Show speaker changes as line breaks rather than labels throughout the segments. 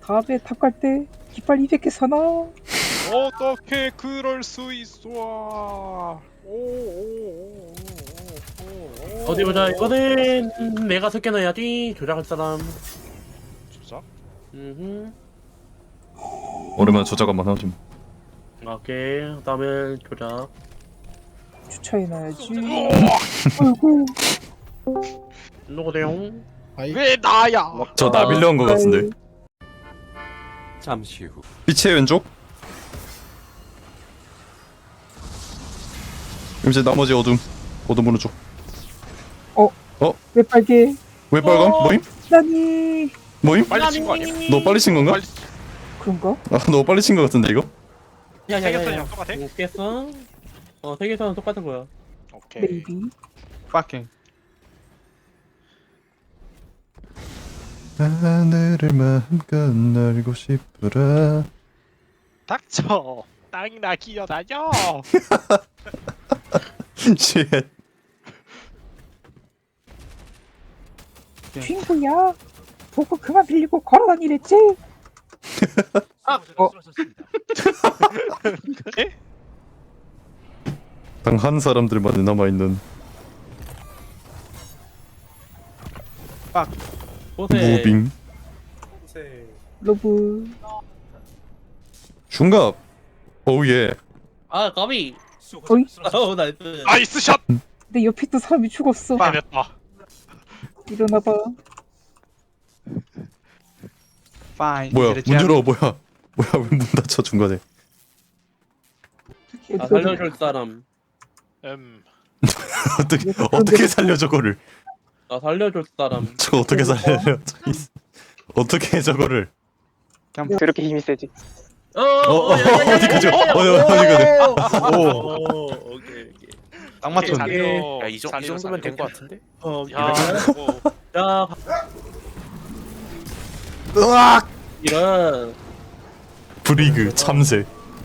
다음에 탑 갈 때 깃발 200개 사나?
어떻게 그럴 수 있어?
어디 보자. 이거는 내가 섞여놔야지. 조작할 사람.
조작?
오랜만에 조작 한번 하지.
오케이. 그다음에 조작.
주차해놔야지. 아이고.
누구세요?
왜 나야?
저 나빌려 한거 같은데.
잠시 후
빛의 왼쪽. 이제 나머지 어둠 오른쪽.
왜 빨개?
왜 빨강? 뭐임?
나니.
뭐임?
빨리 친 거 아니야?
너 빨리 친 건가?
빨리
그런가?
너 빨리 친 거 같은데 이거?
생겼어 똑같아?
못 깼어? 세계선은 똑같은 거야.
오케이.
메이비.
파킹.
하늘을 마음껏 날고 싶으라.
닥쳐. 땅이나 기어다녀.
쉣.
친구야. 보고 그만 빌리고 걸어다니랬지?
에?
당한 사람들만 남아있는
보세.
무빙
러브.
중갑. 오예.
아 까비.
어이?
나이스.
나이스 샷.
내 옆에 있던 사람이 죽었어.
해냈다.
일어나봐.
파인.
뭐야 문 열어. 뭐야 왜 문 닫혀 중간에.
살려줄 사람.
어떻게 살려 저거를.
살려줄 사람.
저 어떻게 살려. 어떻게 저거를.
그렇게 힘이 세지.
어디 가죠. 어디 가죠.
오케이.
딱 맞췄네.
살려.
이 정도면 된 거 같은데?
야.
자
으악.
이런.
브리그 참새.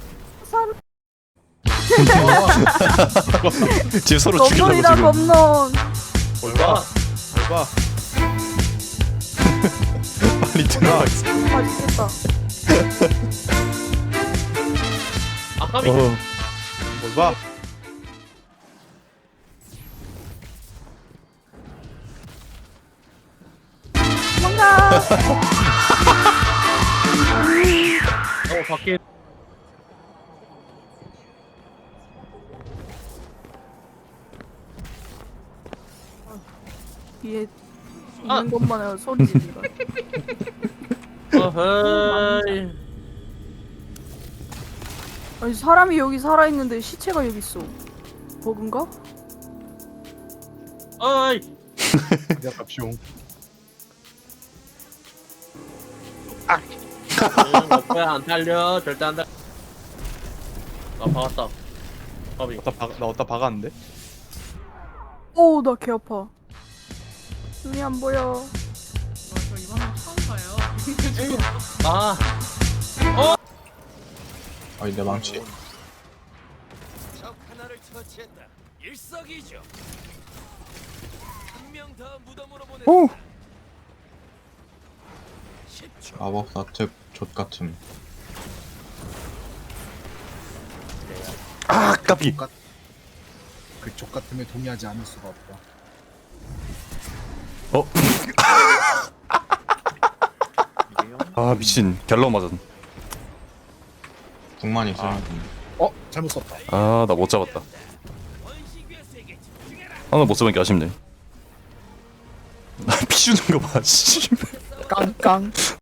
지금 서로 죽이려고
검론이다
지금.
검론.
뭘봐?
봐.
빨리 들어가 있어.
맛있겠다.
아 까비.
어.
뭘 봐.
뭔가
밖에.
뒤에 있는 것만 해도 소리 지르다.
어허이.
아니 사람이 여기 살아 있는데 시체가 여기 있어. 버그인가?
어이.
갑시옹.
뭐야 안 달려. 절대 안 달려. 아 박았다. 까비.
나 어디다 박았는데?
오, 나 개 아파. 눈이 안 보여.
아.
아니 내 망치.
적 하나를 처치했다. 일석이조. 한 명 더 무덤으로 보내.
오.
마법사 특 족같음.
아 까비.
그쪽 같음에 동의하지 않을 수가 없다.
아 미친 갤러 맞았.
궁만 있으면.
잘못 썼다.
아 나 못 잡았다. 하나 못 잡은 게 아쉽네. 피 주는 거 봐. 씨.
깡깡.